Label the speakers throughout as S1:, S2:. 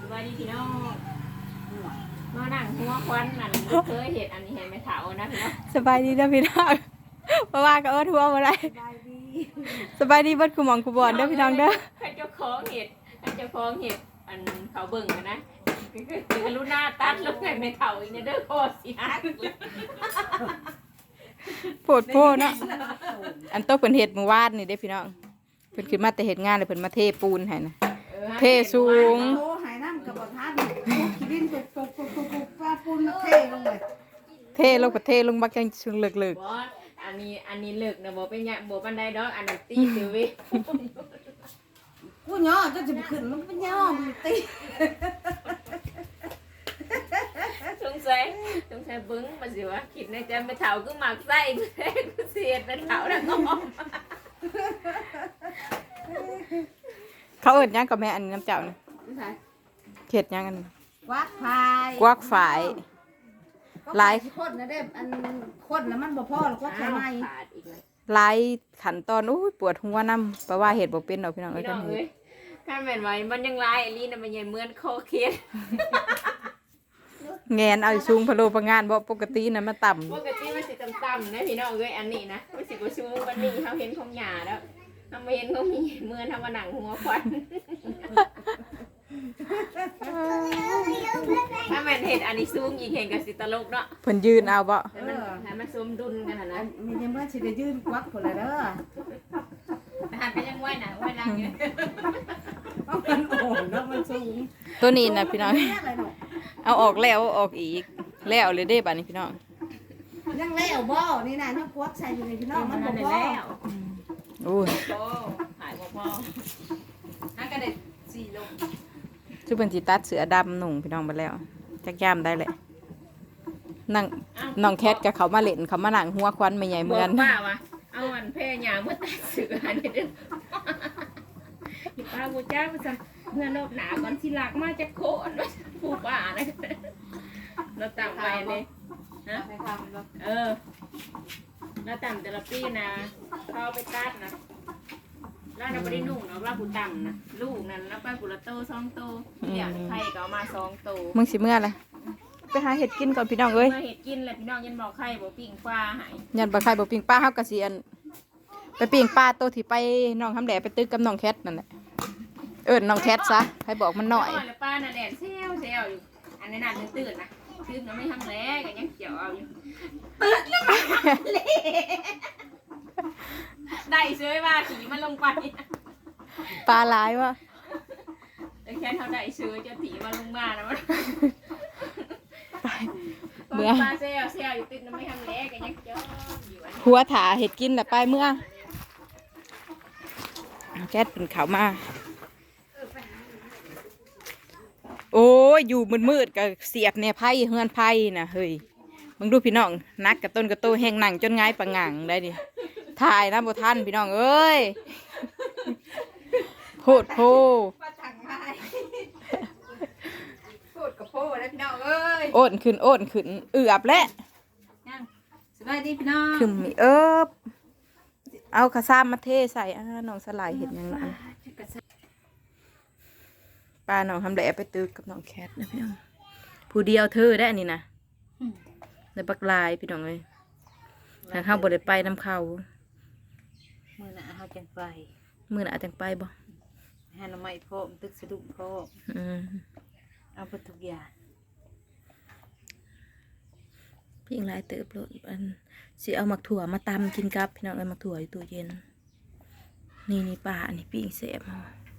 S1: บายดีพี่น้องมานั่งหัวควันนั่นเคยเห็นอันนี้เห็นไหมเถานะพี่น้อง
S2: สบายดีนะพี่น้องเพราะว่าก็ทั่วมาได้สบายดีเบิดคุหมองคุบอนเด้อพี่น้องเด้อ
S1: ใครเจ้าของเห็ดอันเขาเบิ่งนะคือลูน่าตัดลูกไงไม่เถาอีกเนี่ยเด้อโคตรสิฮัก
S2: โพดโพเนาะอันโตเพิ่นเฮ็ดมื้อวานนี่เด้พี่น้องเพิ่นขึ้นมาแต่เฮ็ดงานแล้วเพิ่นมาเทปูนให้นะเทสูง
S3: โตหายน้ำกับบ่ทันขี้ดินปุกปลาปูนเทลงเลย
S2: เทลงประเทลงบักจังชุงเลิก
S1: บ่อันนี้เลิกนะบ่เป็นหยังบ่ปานใดดอกอันนั้นตีซื่อเว้ย
S3: กูย่อจะขึ้นมันเป็นย่อมันตี
S1: สงสัยเบิ้งมาสิวะคิดในใจไม่เถาก็หมักไส้กูเสียดเป็นเถาแล้วก็
S2: เขาเอิ้นหยังกับแม่อันนี้น้ำเจ้านี่เฮ็ดหยังอันนี้
S3: กวักฝาย
S2: กวักฝายหลาย
S3: คนนะเด้อันคนแล้วมันบ่พอหรอกว่าแค่ไหน
S2: หลายขั้นตอนปวดหัวนํเพราะว่าเฮ็ดบ่เป็นดอกพี่น้องเอ้ยกันเฮ็ด
S1: ถ้าแม่นไว้มันยังลายอีหลีน่ะมันยังเหมือนคอเคียน
S2: แงนเอาสูงพะโลพะงานบ่ปกติน่ะมันต่ำ
S1: ปกติมันสิต่ำๆนะพี่น้องเอ้ยอันนี้นะมันสิบ่สูงวันนี้เฮาเห็นของหญ้าแล้วเฮาบ่เห็นของมีเหมือนเฮามานั่งหัวควันถ้าแม่นเห็นอันนี้สูงอีกเห็นก็สิตลกเนาะ
S2: เพิ่นยืนเอาบ่
S1: ให้มันสมดุลกันน่ะนะ
S3: มียังบ่สิได้ยืนกวักพุ่นล่ะเด้อ
S1: หาก็ยังไหวน่ะไหวลังอยู่
S3: มันโอนแล้วมันสูง
S2: ตัวนี้น่ะพี่น้องเอาออกแล้วออกอีกแล้วเลยเด้บัดนี้พี่น้อง
S3: ยังแล้วบ่นี่น่ะยังกวักใส่อยู่ในพี่น้องมันบ่พอ
S2: โอ้ย
S1: หายบ่พอหาก็ได้4โล
S2: ซุเพิ่นสิตัดเสือดำหนุ่งพี่น้องไปแล้วจักยามได้แหละนั่งน้องแคทกับเขามาเล่นเขามานั่งหัวควันไม่ใหญ่เหมือน
S1: ป้าวะเอาอันแพร่หยาเมื่อตัดเสืออันนี้เด้อป้าบูจ้ามาสั่งเมื่อรอบหนาก่อนที่หลักมาจะโค่นผู้ป้านะเราต่ำไปเลยฮะเราต่ำแต่ละปีนะเขาไปตัดนะแล้วเราไม่ได้นุ่งเนาะว่าผู้ต่ำนะลูกนั่นแล้วไปกุละโต2 โตเนี่ยไข่ก็เอามา2 โต
S2: มึงสิเมื่อไรไปหาเห็ดกินก่อนพี่น้องเอ้ย
S1: เห็ดกินแหละพี่น้องยันบอกไข่บอกปิ้งปลาหาย
S2: ยันบอกไข่บอกปิ้งปลาเฮากะเสียนไปปิ้งปลาโตที่ไปน้องทำแหล่ไปตึกกับน้องแคทนั่นแหละน้องแคทซะให้บอกมันหน่อย
S1: แล้วป้าน่ะแดดเซลอยู่อันนี้น่ะตื่นนะตื่นเราไม่ทำแล้วกันยังเขียวเอาอยู่ตื่นแล้วมาเลยได้เชื้อมาขี่มันลงไป
S2: ปลาลายวะ
S1: แต่แค่เท่าได้เชื้อจะถีมันลงมานะมัน
S2: เมื่อ
S1: ปลาเซลอยู่ตื่นเราไม่ทำแล้วกันยังเขียว
S2: หัวถาเห็ดกินแหละไปเมื่อแคทเป็นเขามาโอ้ยอยู่มืดๆกับเสียบเนี่ยไพ่เฮือนไพ่นะเฮ้ยมึงดูพี่น้องนักกับต้นกับโตแห้งหนังจนง่ายปังงังได้ดิถ่ายนะโบท่านพี่น้องเอ้ยโคตรโพ
S1: โคตรกับโพแล้วพี่น้องเอ้ย
S2: โอนขึ้นเอือบและ
S1: สบายดีพี่น้อง
S2: ขึ้นมีเอาข้าซ้ำมาเทใส่น้องสลายเห็นยังไงป้าน้องทำแหล่ไปตึกกับน้องแคทนะพี่น้องผู้เดียวเธอได้อันนี้นะในปักลายพี่น้องเลยทางเข้าบ่ได้ไปน้ำเข้า
S3: มือหน้าเขาจังไป
S2: มือหน้าจังไปบ่
S3: หาหน่อไม้พร้อมตึกสะดุ้งพร้อมเอาไปทุกอย่าง
S2: พี่อิงลายเติบโลดอันสิเอาหมักถั่วมาตำกินกับพี่น้องเอาหมักถั่วอยู่ตู้เย็นนี่ป่าอันนี้พี่อิงเสพ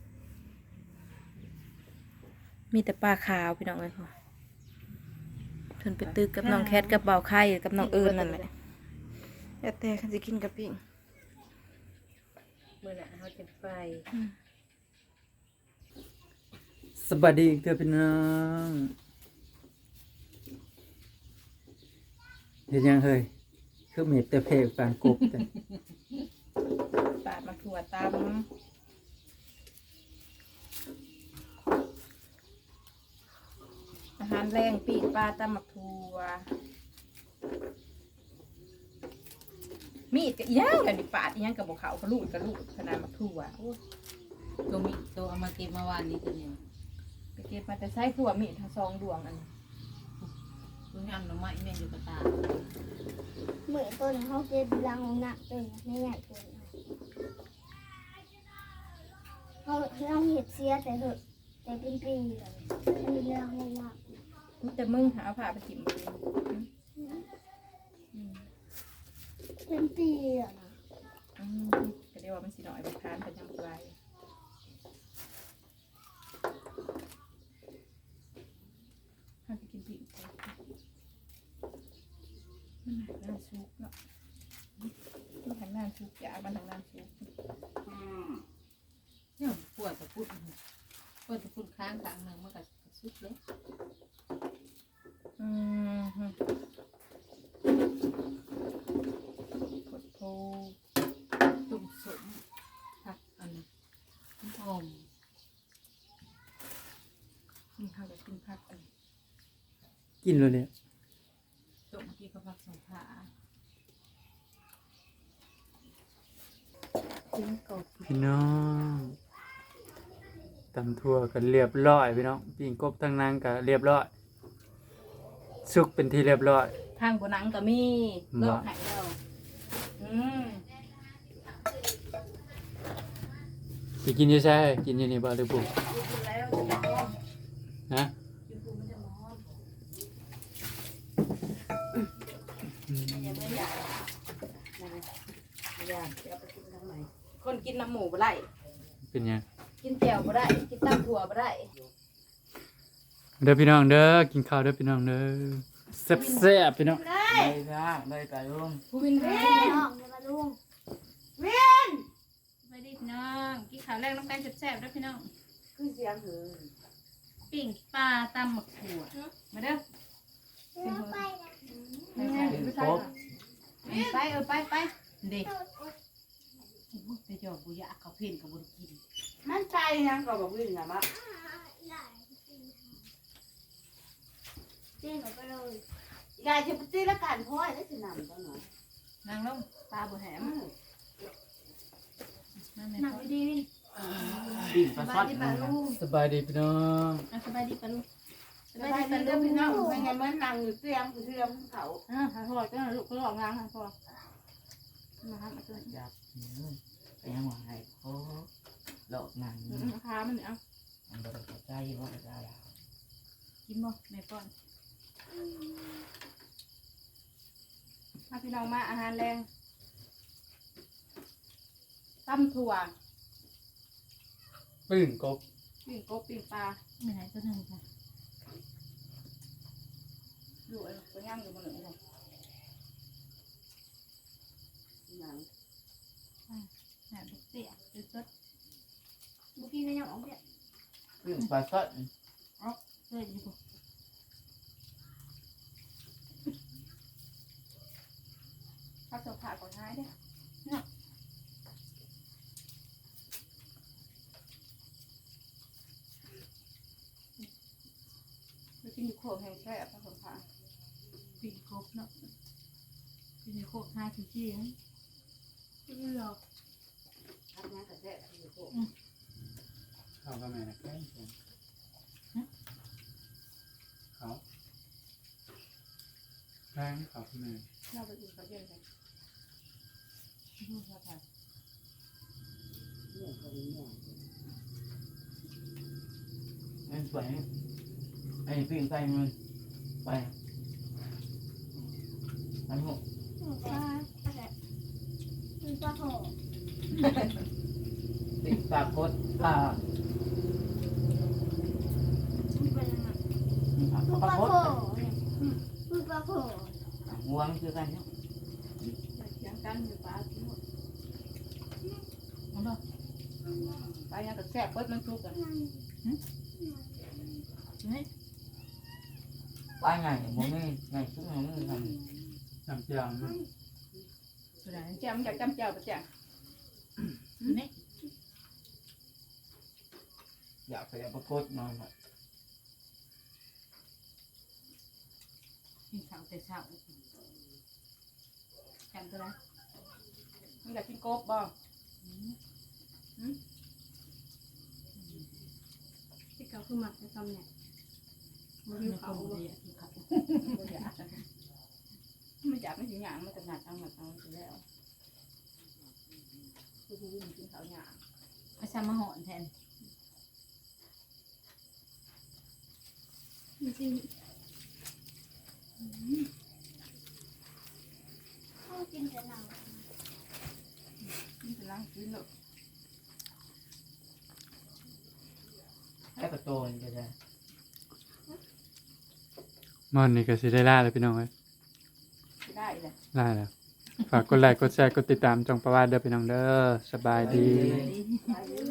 S2: มีแต่ปลาขาวพี่น้องเลยค่ะเพิ่นไปตึกกับน้องแคทกับเบาไข่กับน้องเอิญนั่นแหละแต่คันสิกินกับพี่
S3: เมื่อน่ะเขาจะไป
S4: สวัสดีเพื่อนพี่น้องเห็นยังเฮ้ยคือเม็ดแต่เพลปานกบแต่
S2: ปาดมาถั่วตำอาหารแรงปีกปลาตำหมักถั่วมีดกับย่างกันดิปาดย่างกับบุกเขากระลูดขนาดหมักถั่ว
S3: ตัวมีตัวเอามาเก็บมาวานนี้ตัวนี้
S2: กเก็บมาแต่ใช้ขัวมีดทั้ง2 ดวงอัน
S3: กูงามหน่อไม้แม่อยู่กับตา
S5: เหมือนต้นเขาเก็บรังหนักต้นไม่ใหญ่ต้นเขาเห็ดเสียแต่เถอะแต่เป็นปีเลยมันมีรังมาก
S2: แต่มึงหาผ้าไปถิ่มบ่ดี
S5: เป็นปีอ่ะนะ
S2: ก็เรียกว่ามันสิน้อยบ่ทานแต่ยังบ่ไรถ้าไปกินปีกมันหาน้ำซุปเนาะมันหาน้ำซุปยามันทางน้ำซุป
S3: เนี่ยปวดตะพุดค้างหนึ่งมันก็สุดเลย
S2: กดโพ
S3: ตุ่มสมผักอันนี้หอม
S2: มันเข้ากับกินผักอัน
S4: กินเลยเนี่ย
S3: ตุ่มที่กับผักสงขา
S2: กินกบ
S4: พี่น้องตำทั่วกันเรียบร้อยพี่น้องปิ้งกบทั้งนั้นก็เรียบร้อยสุกเป็นที่เรียบร้อย
S2: ทางบนหนังก็มีโลกหายแล้ว
S4: สิกินอยี่ใช่กินอยี่นี่บ่หรือบุก
S2: กินแล้วจะร้อน
S4: ฮะ
S2: กินปูมันจะร้อน
S4: อืม
S2: ยังไม่อยากอยากจะเอาไปกินทำไมคนกินน้ำหมูบ่ได้
S4: เป็นยัง
S2: กินแจ่วบ่ได้กินตำถั่วบ่ได้
S4: เด้อพี่น้องเด้อกินข้าวเด้อพี่น้องเด้อแซ่บๆพี่น้อง
S6: ได้ค่ะได้ไก่ลุง
S2: ผู้วิน
S5: ๆ
S2: เว้
S5: เล่
S2: น
S5: นออกมาลุง
S1: ไปดิพี่น้องกินข้าวแรกน้ำกันแซ่บๆด้วยพี่น้อง
S6: คือเสียงหือ
S1: ปิ้งปลาตำหมักถั่วมาเด้อ
S5: ไปนะ
S6: เป็นกบ
S1: ไปไป
S3: เด็กแต่จอบบุยะเขาเพ่นกับบนกิน
S6: มันใจยังก็บอกวิ่งนะมะ
S5: เล่นออกไปเลย
S6: ยายจะไปตีละกันพ่อยได้สินำตอนไหน
S1: นางลงปลาบ่แหมนั่นแหละ
S5: หนักดี
S6: ปิ้งปลา
S1: ส
S6: ซ
S1: บา
S6: อย ด
S1: ดีปลาลูก
S4: สบายดีพี่น้อง
S1: สบายดีปลาลูกส
S6: ส
S1: บา
S6: บาย ย
S1: ดี
S6: ดี
S1: ปลา
S6: เด้
S1: ลู
S6: อก พี่น้
S1: น้
S6: อ
S1: องง
S6: ไม่งั้นมันนั่งอยู่เตียงเตียงเขา
S1: หาพอก็ลูกก็หลอกงานพอมาหามาเกิน
S6: อยากไปยังว่าให้เขาหลอกนั่ง
S1: ราคามันเนี่ย
S6: มันบ่ได้ใจว่าได้
S1: กินบ่แม่ป้อนมาพี่น้องมาอาหารแรงตำถั่ว
S4: ปิ้งกบ
S1: ปิ้งกบปิ้งปลา
S3: ไม่ไหนตัวหนึ่งค่ะ
S1: ดูไอ้ตัวย่างอยู่บนหนึ่งค่ะ
S6: นั่ง
S1: แหนมเตี้ยจุดจุด
S5: ๆเมื่อกี้ก็ยังออกเนี่ย
S6: ปิ้งปลาซอด
S1: เตี้ยอยู่ ข้าวเสือผ่าก่อนท้ายเด้อไปกินอยู่โขกแห่งแซ่บข้าวเสือผ่า
S3: ปีกบเนาะปีกโคก5 ชิ้น
S1: ไม่หรอก
S6: ทำงานกับแท้อยู่พวก
S4: ข้าวก็แม่นะแค่เขาแป้งข้าวแม่
S1: เราไปกินข้าวเย็นกัน
S3: ลูกค่ะ
S6: เนี่ยเขาเนี่ยมันไปไอ้ปิ้งไก่มันไปมันหก
S5: ปลาอะไรมีปลาโข
S6: ปิ้งปลากดปลา
S5: เป็นอะไร
S6: ป
S5: ป
S6: ลา
S5: ลาก โข
S6: ด
S5: เนี่ยปลาโข
S6: ห่วงคือกันเนาะ
S1: เสียงกันอยู่ปลาที่หมด
S3: เอาเนาะ
S1: ปลายังกับแซ่บเบิดมันทุกกัน
S3: เฮ้ย
S6: ปลาใหญ่บ่มีใหญ่ทุกอย่างมันท
S4: น้ำเจียวนะ
S3: ตัวไหน
S1: แจ่มจากจำเจ้าประจัง
S3: นี่
S6: ำอยากไปเอาปลากดนอนหน่อย
S3: กินข้าวแต่เช้า
S1: จำตัวไหนมันอยากกินกบบ่กิน
S5: เขาคือหมักจะทำเนี่ยมันหิวเขาบ่
S3: ไม่จับไม่ถึงหยางมันจะหนักเอาหมดเอาไปแล้วคือวิ่งกินเขาหยางมาชามาหอนแทน
S5: จริงเขากินแต่หนัง
S3: นี่เป็นร่างกินหรอก
S6: แล้วก็โตนี่ก็ได้
S4: มอนนี่ก็สิได้ล่าเลยพี่น้องเอ้ย
S3: ได้เลย
S4: ล่าแล้วฝากกดไลค์กดแชร์กดติดตามจองประวัติเด้อพี่น้องเด้อสบายดี
S3: ดี